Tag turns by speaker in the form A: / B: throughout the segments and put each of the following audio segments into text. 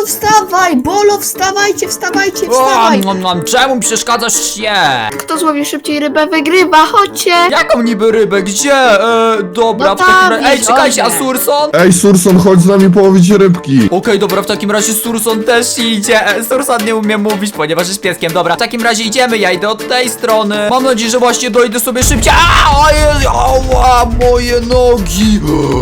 A: wstawaj! Bolo, wstawajcie, wstawajcie,
B: O,
A: wstawaj!
B: czemu przeszkadzasz się?
A: Kto złowi szybciej rybę, wygrywa, chodźcie!
B: Jaką niby rybę? Gdzie? Dobra,
A: No
B: w takim
A: tam
B: razie... Ej,
A: gdzieś,
B: czekajcie, a
A: Olek.
B: Surson?
C: Ej, Surson, chodź z nami połowić rybki.
B: Okej, dobra, w takim razie Surson też idzie. Surson nie umie mówić, ponieważ jest pieskiem. Dobra, w takim razie idziemy, ja idę od tej strony. Mam nadzieję, że właśnie dojdę sobie szybciej. Ała, moje nogi.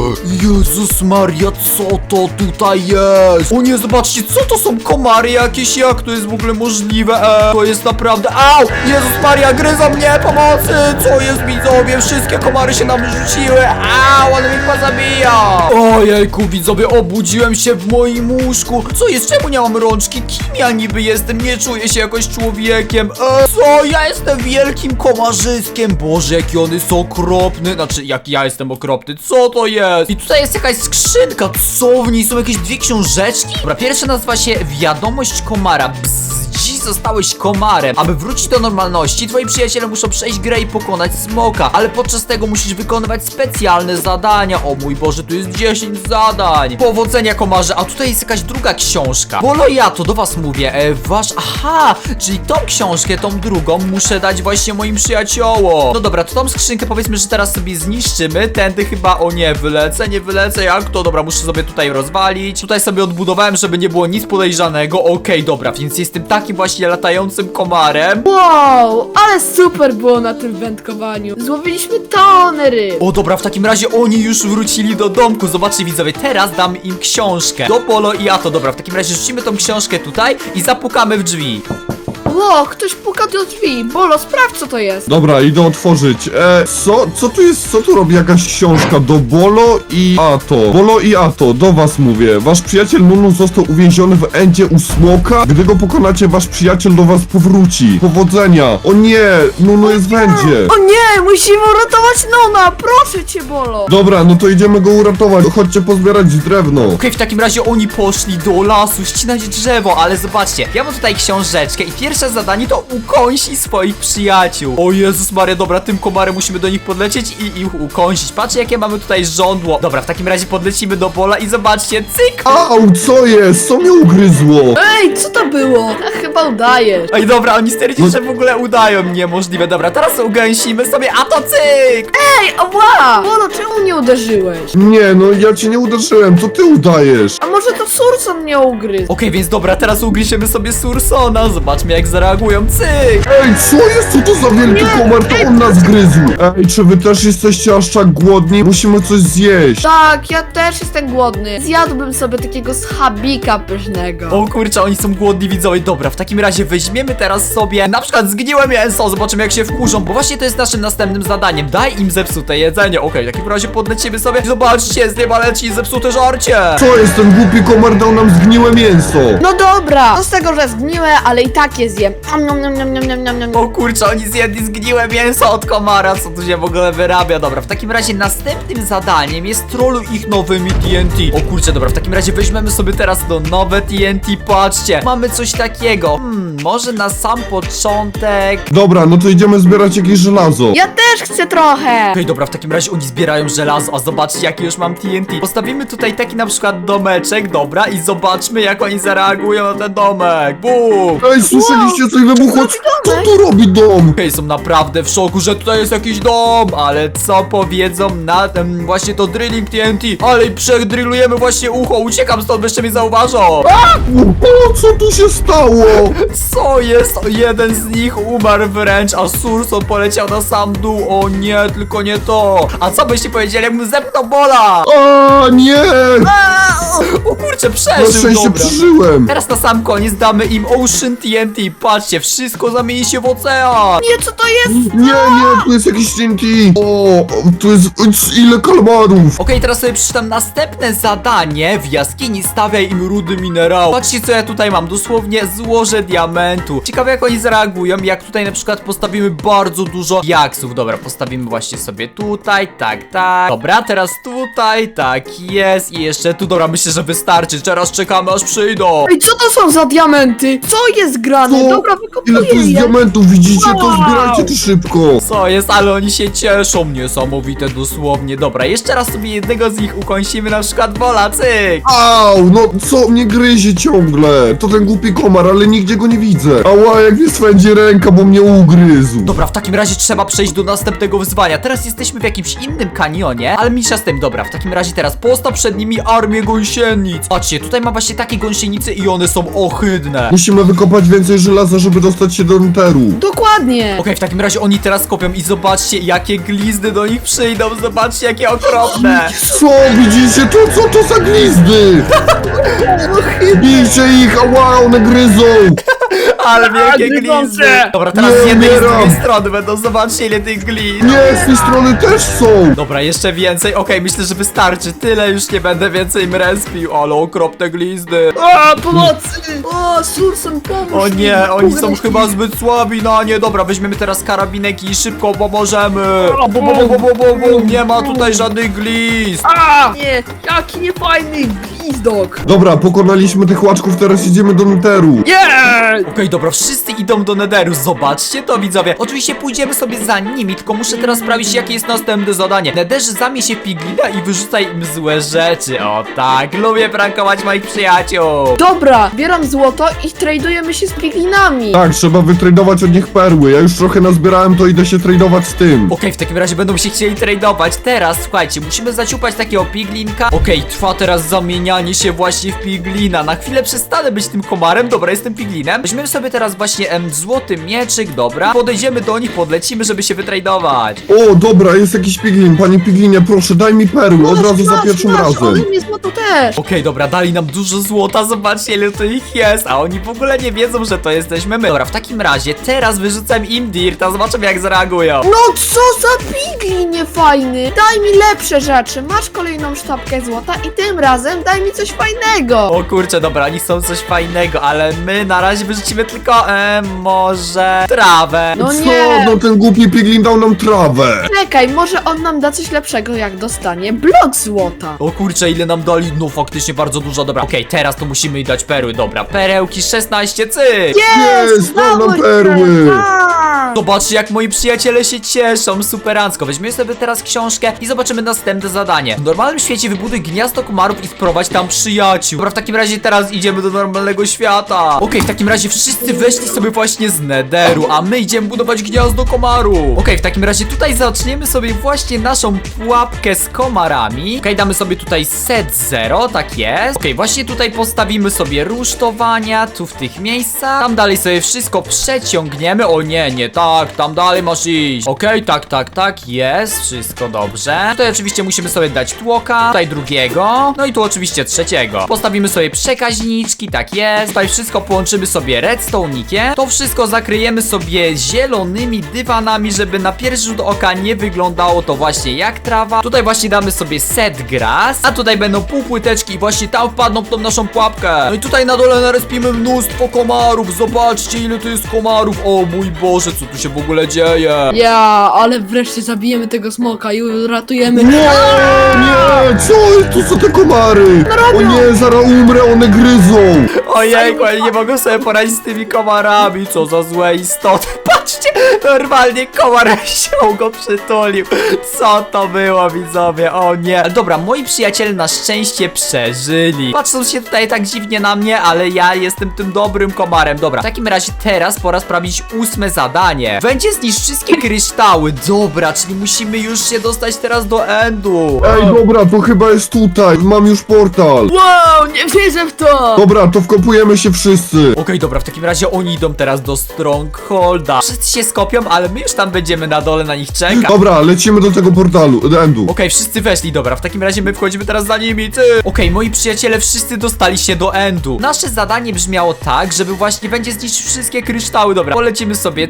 B: Jezus Maria, co to tutaj jest? O nie, zobaczcie, co to są komary jakieś? Jak to jest w ogóle możliwe? To jest naprawdę... Au! Jezus Maria, gryzą mnie, pomocy! Co jest, widzowie? Wszystkie komary się nam rzuciły. Au, ale mnie chyba zabija. Ojejku, widzowie, obudziłem się w moim łóżku. Co jest? Czemu nie mam rączki? Kim ja niby jestem? Nie czuję się jakoś człowiekiem. Co? Ja jestem wielkim komarzyskiem. Boże, jaki on jest okropny. Znaczy, jak ja jestem okropny. Co to jest? I tutaj jest jakaś skrzynka. Co w niej? Są jakieś dwie książeczki? Dobra, pierwsza nazywa się Wiadomość komara. Dziś zostałeś komarem. Aby wrócić do normalności, twoi przyjaciele muszą przejść grę i pokonać smoka, ale podczas tego musisz wykonywać specjalne zadania. O mój Boże, tu jest 10 zadań. Powodzenia, komarze. A tutaj jest jakaś druga książka. Bolo, ja to do was mówię. Aha, czyli tą książkę, tą drugą muszę dać właśnie moim przyjaciołom. No dobra, to tą skrzynkę powiedzmy, że teraz sobie zniszczymy. Tędy chyba, o nie wylecę, jak to? Dobra, muszę sobie tutaj rozwalić. Tutaj sobie odbudowałem, żeby nie było nic podejrzanego. Okej, dobra, więc jestem takim właśnie latającym komarem.
A: Wow, ale super było na tym wędkowaniu. Złowiliśmy tony ryb.
B: O dobra, w takim razie oni już wrócili do domku. Zobaczcie, widzowie, teraz dam im książkę. Do Bolo i Ato. Dobra, w takim razie rzucimy tą książkę tutaj i zapukamy w drzwi.
A: Ło, ktoś puka do drzwi. Bolo, sprawdź, co to jest.
C: Dobra, idę otworzyć. Co tu jest? Co tu robi jakaś książka? Do Bolo i Ato. Bolo i Ato, do was mówię. Wasz przyjaciel Nunu został uwięziony w endzie u smoka. Gdy go pokonacie, wasz przyjaciel do was powróci. Powodzenia. O nie, Nunu jest w endzie.
A: O nie, musimy uratować Nona, proszę cię, Bolo.
C: Dobra, no to idziemy go uratować. Chodźcie pozbierać drewno.
B: Okej, w takim razie oni poszli do lasu ścinać drzewo, ale zobaczcie, ja mam tutaj książeczkę i pierwsze zadanie to ukąsi swoich przyjaciół. O Jezus Maria, dobra, tym komarem musimy do nich podlecieć i ich ukąsić. Patrzcie, jakie mamy tutaj żądło. Dobra, w takim razie podlecimy do Bola i zobaczcie, cyk!
C: Au, co jest? Co mnie ugryzło?
A: Ej, co to było? Chyba udajesz.
B: Ej, dobra, oni stwierdzili, że w ogóle udają. Niemożliwe. Dobra, teraz ugęsimy sobie, a to cyk!
A: Ej, ała! Bolo, czemu nie uderzyłeś?
C: Nie, no ja cię nie uderzyłem, to ty udajesz.
A: A może to Surson mnie ugryzł?
B: Okej, więc dobra, teraz ugryziemy sobie Sursona. Zobaczmy, jak zareagują. Cyk!
C: Ej, co jest? Co to za wielki komar? To on nas gryzł. Ej, czy wy też jesteście aż tak głodni? Musimy coś zjeść.
A: Tak, ja też jestem głodny. Zjadłbym sobie takiego schabika pysznego.
B: O kurczę, oni są głodni, widzowie. Dobra, w takim razie weźmiemy teraz sobie na przykład zgniłe mięso. Zobaczymy, jak się wkurzą, bo właśnie to jest naszym następnym zadaniem. Daj im zepsute jedzenie. Okej, w takim razie podlecimy sobie. Zobaczcie, z nieba leci zepsute żarcie.
C: Co jest? Ten głupi komar dał nam zgniłe mięso.
A: No dobra, to z tego, że zgniłe, ale i tak je zjem. Nom.
B: O kurczę, oni zjedli zgniłe mięso od komara. Co tu się w ogóle wyrabia? Dobra, w takim razie następnym zadaniem jest trolluj ich nowymi TNT. O kurczę, dobra, w takim razie weźmiemy sobie teraz to nowe TNT. Patrzcie, mamy coś takiego. Może na sam początek.
C: Dobra, no to idziemy zbierać jakieś żelazo.
A: Ja też chcę trochę.
B: Okej, dobra, w takim razie oni zbierają żelazo, a zobaczcie, jakie już mam TNT. Postawimy tutaj taki na przykład domeczek, dobra, i zobaczmy, jak oni zareagują na ten domek. Bum!
C: Ej, słyszeliście coś wybuchło? Co tu robi dom?
B: Okej, są naprawdę w szoku, że tutaj jest jakiś dom, ale co powiedzą na ten właśnie to drilling TNT? Ale przedrillujemy właśnie ucho, uciekam stąd, bo jeszcze mnie zauważą.
C: O, co tu się stało?
B: Co jest? Jeden z nich umarł wręcz, a Surson poleciał na sam dół. O nie, tylko nie to. A co byście powiedzieli, jakbym zepnął Bola?
C: A nie!
B: O kurczę,
C: Na
B: przeżył,
C: szczęście
B: dobra.
C: przeżyłem.
B: Teraz na sam koniec damy im Ocean TNT. Patrzcie, wszystko zamieni się w ocean.
A: Nie, co to jest?
C: Nie, tu jest jakiś TNT. O, tu jest ile kalmarów.
B: Okej, teraz sobie przeczytam następne zadanie. W jaskini stawiaj im rudy minerału. Patrzcie, co ja tutaj mam, dosłownie złoże diamentu. Ciekawe, jak oni zareagują, jak tutaj na przykład postawimy bardzo dużo jaksów. Dobra, postawimy właśnie sobie tutaj, tak. Dobra, teraz tutaj, tak jest. I jeszcze tu, dobra, myślę, że wystarczy. Teraz czekamy, aż przyjdą.
A: Ej, co to są za diamenty? Co jest grane?
C: Co?
A: Dobra,
C: Ile tu jest
A: wykopuję je.
C: diamentów, widzicie? To
A: Wow.
C: zbierajcie to szybko.
B: Co jest, ale oni się cieszą, niesamowite dosłownie. Dobra, jeszcze raz sobie jednego z nich ukąsimy, na przykład Bola, cyk.
C: Au, no co mnie gryzie ciągle? To ten głupi komar, ale nigdzie go nie widzę. Ała, jak mnie swędzi ręka, bo mnie ugryzł.
B: Dobra, w takim razie trzeba przejść do następnego wyzwania. Teraz jesteśmy w jakimś innym kanionie, ale mniejsza z tym. Dobra, w takim razie teraz postaw przed nimi armię gąsienic. Patrzcie, tutaj ma właśnie takie gąsienice i one są ohydne.
C: Musimy wykopać więcej żelaza, żeby dostać się do Enteru.
A: Dokładnie.
B: Okej, w takim razie oni teraz kopią i zobaczcie, jakie glizdy do nich przyjdą. Zobaczcie, jakie okropne.
C: Co, widzicie to? Co to za glizdy? Bijcie ich, ała, one gryzą.
B: Ale wielkie
A: gryzące.
B: glizdy. Dobra, teraz
C: Nie
B: z jednej i z
C: umieram.
B: drugiej strony będą. Zobaczcie, ile tych glizd.
C: Nie, z tej strony też są.
B: Dobra, jeszcze więcej. Okej, myślę, że wystarczy. Tyle już nie będę więcej im respił. Ale okropne glizdy.
A: O, pomocy. O, Surson, pomóż
B: O
A: mi.
B: nie, oni są
A: Ugryź
B: chyba
A: mi.
B: zbyt słabi na nie. Dobra, weźmiemy teraz karabinek i szybko pomożemy. Bum. Nie ma tutaj żadnych glizd.
A: A, nie, jaki niefajny gwizdok.
C: Dobra, pokonaliśmy tych łaczków, teraz idziemy do Enteru.
A: Nie.
B: Okej, dobra, wszyscy idą do Netheru. Zobaczcie to, widzowie. Oczywiście pójdziemy sobie za nimi, tylko muszę teraz sprawdzić, jakie jest następne zadanie. W Netherze zamień się w piglina i wyrzucaj im złe rzeczy. O tak, lubię prankować moich przyjaciół.
A: Dobra, bieram złoto i tradujemy się z piglinami.
C: Tak, trzeba wytradować od nich perły. Ja już trochę nazbierałem, to idę się tradować z tym.
B: Okej, w takim razie będą się chcieli tradować. Teraz, słuchajcie, musimy zaciupać takiego piglinka. Okej, trwa teraz zamienianie się właśnie w piglina. Na chwilę przestanę być tym komarem. Dobra, jestem piglinem. Weźmiemy sobie teraz właśnie złoty mieczyk, dobra. Podejdziemy do nich, podlecimy, żeby się wytradować.
C: O, dobra, jest jakiś piglin. Panie piglinie, proszę, daj mi perły, od razu za pierwszym razem.
A: Ale mnie złoto też.
B: Okej, dobra, dali nam dużo złota, zobaczcie ile tu ich jest, a oni w ogóle nie wiedzą, że to jesteśmy my. Dobra, w takim razie teraz wyrzucam im dirta, zobaczymy jak zareagują.
A: No co za piglin niefajny. Daj mi lepsze rzeczy. Masz kolejną sztabkę złota i tym razem daj mi coś fajnego.
B: O kurczę, dobra, oni chcą coś fajnego, ale my na razie wyrzucimy tylko, może trawę.
A: No
C: Co?
A: nie.
C: No ten głupi piglin dał nam trawę.
A: Czekaj, może on nam da coś lepszego, jak dostanie blok złota.
B: O kurczę, ile nam dali? No faktycznie bardzo dużo, dobra. Okej, teraz to musimy jej dać perły, dobra. Perełki 16, cyk!
C: Jest, dał nam
A: udało się.
C: perły.
A: Tak.
B: Zobaczcie, jak moi przyjaciele się cieszą, superancko. Weźmiemy sobie teraz książkę i zobaczymy następne zadanie. W normalnym świecie wybuduj gniazdo komarów i wprowadź tam przyjaciół. Dobra, w takim razie teraz idziemy do normalnego świata. Okej, w takim razie wszyscy weszli sobie właśnie z Netheru, a my idziemy budować gniazdo komaru. Okej, w takim razie tutaj zaczniemy sobie właśnie naszą pułapkę z komarami. Okej, damy sobie tutaj set 0, tak jest. Okej, właśnie tutaj postawimy sobie rusztowania, tu w tych miejscach. Tam dalej sobie wszystko przeciągniemy. O nie, nie tak, tam dalej masz iść. Okej, tak, jest, wszystko dobrze. Tutaj oczywiście musimy sobie dać tłoka, tutaj drugiego, no i tu oczywiście trzeciego. Postawimy sobie przekaźniczki, tak jest. Tutaj wszystko połączymy sobie redstone'ikiem. To wszystko zakryjemy sobie zielonymi dywanami, żeby na pierwszy rzut oka nie wyglądało to właśnie jak trawa. Tutaj właśnie damy sobie set grass, a tutaj będą półpłyteczki i właśnie tam wpadną w tą naszą pułapkę. No i tutaj na dole narespimy mnóstwo komarów. Zobaczcie, ile tu jest komarów. O mój Boże, co tu się w ogóle dzieje?
A: Ja, ale wreszcie zabijemy tego smoka i uratujemy.
C: Nie, nie, co? To są te komary. O nie, zaraz umrę, one gryzą.
B: Ojejku, ja nie mogę sobie poradzić z tymi komarami. Co za złe istoty. Patrzcie, normalnie komar się go przytulił. Co to było, widzowie? O nie. Dobra, moi przyjaciele na szczęście przeżyli. Patrzą się tutaj tak dziwnie na mnie, ale ja jestem tym dobrym komarem. Dobra, w takim razie teraz pora sprawdzić 8 zadanie. Będzie zniszcz wszystkie kryształy. Dobra, czyli musimy już się dostać teraz do endu.
C: Ej, dobra, to chyba jest tutaj. Mam już portal.
A: Wow, nie wierzę w to.
C: Dobra, to wkopujemy się wszyscy.
B: Okej, dobra, w takim razie oni idą teraz do Strongholda. Wszyscy się skopią, ale my już tam będziemy na dole na nich czekać.
C: Dobra, lecimy do tego portalu, do endu.
B: Okej, wszyscy weszli, dobra, w takim razie my wchodzimy teraz za nimi, ty! Okej, moi przyjaciele wszyscy dostali się do endu. Nasze zadanie brzmiało tak, żeby właśnie będzie zniszczyć wszystkie kryształy, dobra. Polecimy sobie tutaj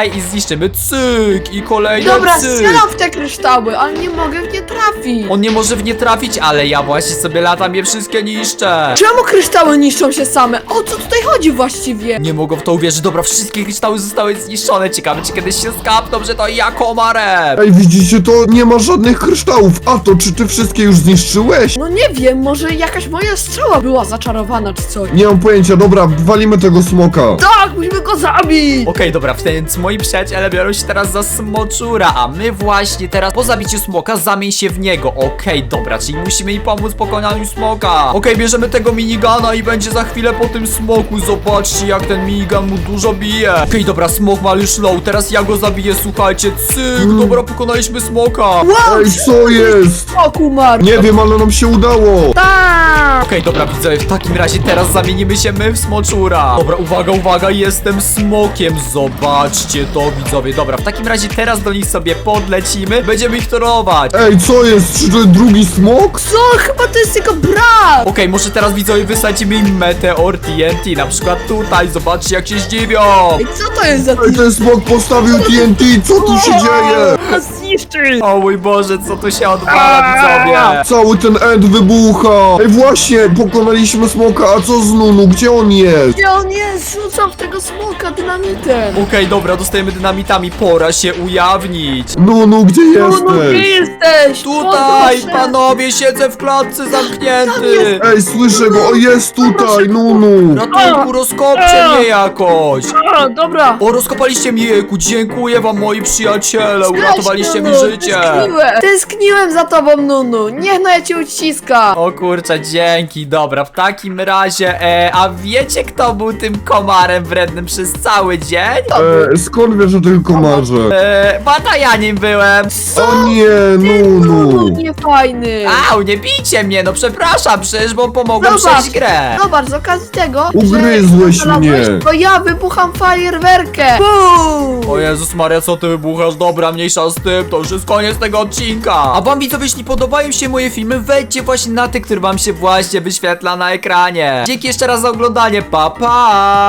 B: tutaj i zniszczymy. Cyk i kolejne
A: Dobra,
B: cyk.
A: strzelam w te kryształy, ale nie mogę w nie trafić.
B: On nie może w nie trafić, ale ja właśnie sobie latam je wszystkie niszczę.
A: Czemu kryształy niszczą się same? O co tutaj chodzi właściwie?
B: Nie mogę w to uwierzyć. Dobra, wszystkie kryształy zostały zniszczone. Ciekawe, czy kiedyś się skapną, że to ja komarem.
C: Ej, widzicie to? Nie ma żadnych kryształów. A to, czy ty wszystkie już zniszczyłeś?
A: No nie wiem, może jakaś moja strzała była zaczarowana czy coś.
C: Nie mam pojęcia, dobra, walimy tego smoka.
A: Tak, musimy go zabić!
B: Okej, dobra, więc moi przyjaciele biorą się teraz za smoczura, a my właśnie teraz po zabiciu smoka zamień się w niego. Okej, dobra, czyli musimy im pomóc w pokonaniu smoka. Okej, bierzemy tego minigana i będzie za chwilę po tym smoku. Zobaczcie, jak ten minigun mu dużo bije. Okej, dobra, smok ma już low, teraz ja go zabiję, słuchajcie. Cyk, dobra, pokonaliśmy smoka.
A: Wow,
C: Ej, co jest?
A: smok umarł!
C: Nie wiem, ale nam się udało.
A: Tak!
B: Okej, dobra, widzowie, w takim razie teraz zamienimy się my w smoczura. Dobra, uwaga, uwaga, jestem smokiem. Zobaczcie to, widzowie. Dobra, w takim razie teraz do nich sobie podlecimy. Będziemy ich torować.
C: Ej, co jest? Czy to jest drugi smok?
A: Co? Chyba to jest jego brat!
B: Okej, może teraz widzowie wysadzimy im meteor TNT. Na przykład tutaj, zobaczcie jak się zdziwią.
A: Ej, co to jest za
C: Ej, ten smok postawił TNT, co tu się dzieje?
A: Nas zniszczy!
B: O mój Boże, co tu się odwala, widzowie?
C: Cały ten end wybucha. Ej, właśnie, pokonaliśmy smoka, a co z Nunu? Gdzie on jest?
A: Gdzie on jest? Rzucam w tego smoka dynamitem!
B: Okej, dobra, dostajemy dynamitami, pora się ujawnić.
C: Nunu, gdzie
A: No, gdzie
C: jesteś?
A: jesteś?
B: Tutaj,
A: Podnoszę.
B: panowie, siedzę w klatce zamknięty.
C: Ej, słyszę go, o jest tutaj, Nunu.
B: Ratunku, rozkopcie mnie jakoś.
A: A, dobra!
B: O, rozkopaliście mnie, jejku, dziękuję wam, moi przyjaciele, uratowaliście mi
A: Nunu,
B: życie.
A: Tęskniłem za tobą, Nunu! Niech no ja cię uciska!
B: O kurczę, dzięki, dobra, w takim razie, a wiecie kto był tym komarem wrednym przez cały dzień?
C: Skąd wiesz o tym komarze?
B: Bata ja nim byłem.
C: O nie,
A: Nunu,
C: Nunu.
A: niefajny!
B: Au, nie bijcie mnie, no przepraszam, przecież bo pomogłem
A: Zobacz.
B: przejść grę.
A: Zobacz, z okazji tego,
C: Ugryzłeś
A: że znalazłeś,
C: mnie.
A: to ja wybucham fajerwerkę! Bum!
B: O Jezus Maria, co ty wybuchasz? Dobra, mniejsza z tym, to już jest koniec tego odcinka. A wam widzowie, jeśli podobają się moje filmy, wejdźcie właśnie na te, które wam się właśnie wyświetla na ekranie. Dzięki jeszcze raz za oglądanie, pa pa!